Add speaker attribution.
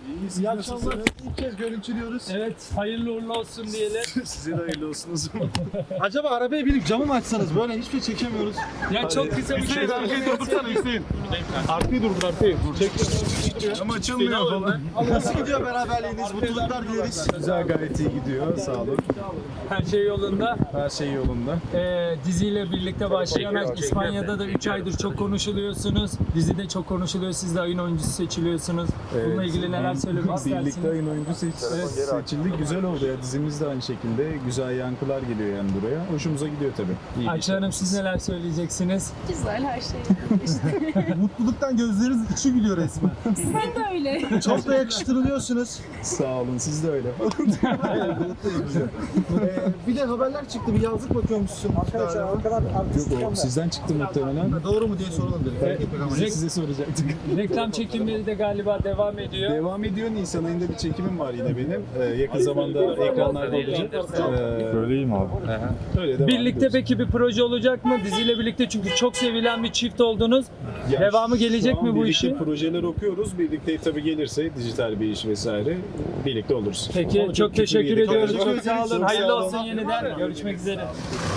Speaker 1: İyi akşamlar. İlk kez görüntülüyoruz.
Speaker 2: Evet, hayırlı uğurlu olsun diyelim.
Speaker 1: Size de hayırlı olsun o zaman. Acaba arabaya binip camı mı açsanız? Böyle hiçbir şey çekemiyoruz.
Speaker 2: Ya çok kısa bir şey.
Speaker 1: Arkayı durdursana Hüseyin. Arkayı durdur arkayı. Çek. Cam açılmıyor falan. Nasıl gidiyor beraberliğiniz? Mutluluklar dileriz.
Speaker 3: Güzel, gayet iyi gidiyor. Sağ olun.
Speaker 2: Her şey yolunda.
Speaker 3: Her şey yolunda.
Speaker 2: Diziyle birlikte başlayan İspanya'da da 3 aydır çok konuşuluyorsunuz. Dizide çok konuşuluyor. Siz de ayın oyuncusu seçiliyorsunuz. Bununla ilgili neler söylemek istersiniz?
Speaker 3: Birlikte ayın oyuncu seçildi. Güzel oldu ya. Dizimiz de aynı şekilde. Güzel yankılar geliyor yani buraya. Hoşumuza gidiyor tabii. İyi
Speaker 2: Ayça Hanım, siz neler söyleyeceksiniz?
Speaker 4: Güzel her şey.
Speaker 1: Mutluluktan gözleriniz içi gülüyor resmen.
Speaker 4: Sen de öyle.
Speaker 1: Çok da yakıştırılıyorsunuz.
Speaker 3: Sağ olun. Siz de öyle.
Speaker 1: Bir de haberler çıktı. Bir yazlık bakıyormuşsun.
Speaker 3: Yok, o sizden çıktı muhtemelen.
Speaker 1: Doğru mu diye soralım dedik.
Speaker 3: Biz de size soracaktık.
Speaker 2: Reklam çekimleri de galiba devam ediyor.
Speaker 3: Devam ediyor. Nisan ayında bir çekimim var yine benim. Yakın zamanda ekranlarda olacak.
Speaker 5: Söyleyeyim abi.
Speaker 3: Öyle devam
Speaker 2: Birlikte
Speaker 3: ediyoruz.
Speaker 2: peki bir proje olacak mı? Diziyle birlikte, çünkü çok sevilen bir çift oldunuz.
Speaker 3: Ya
Speaker 2: Devamı gelecek
Speaker 3: şu an
Speaker 2: mi bu
Speaker 3: birlikte
Speaker 2: işin?
Speaker 3: projeler okuyoruz. Birlikte tabii gelirse dijital bir iş vesaire birlikte oluruz.
Speaker 2: Peki,
Speaker 3: Ama
Speaker 2: çok
Speaker 3: kötü bir
Speaker 2: teşekkür
Speaker 3: yere
Speaker 2: ediyoruz.
Speaker 3: kalacak.
Speaker 2: Çok sağ olun.
Speaker 3: Çok
Speaker 2: Hayırlı
Speaker 3: sağ olun.
Speaker 2: olsun yeniden. Görüşmek üzere.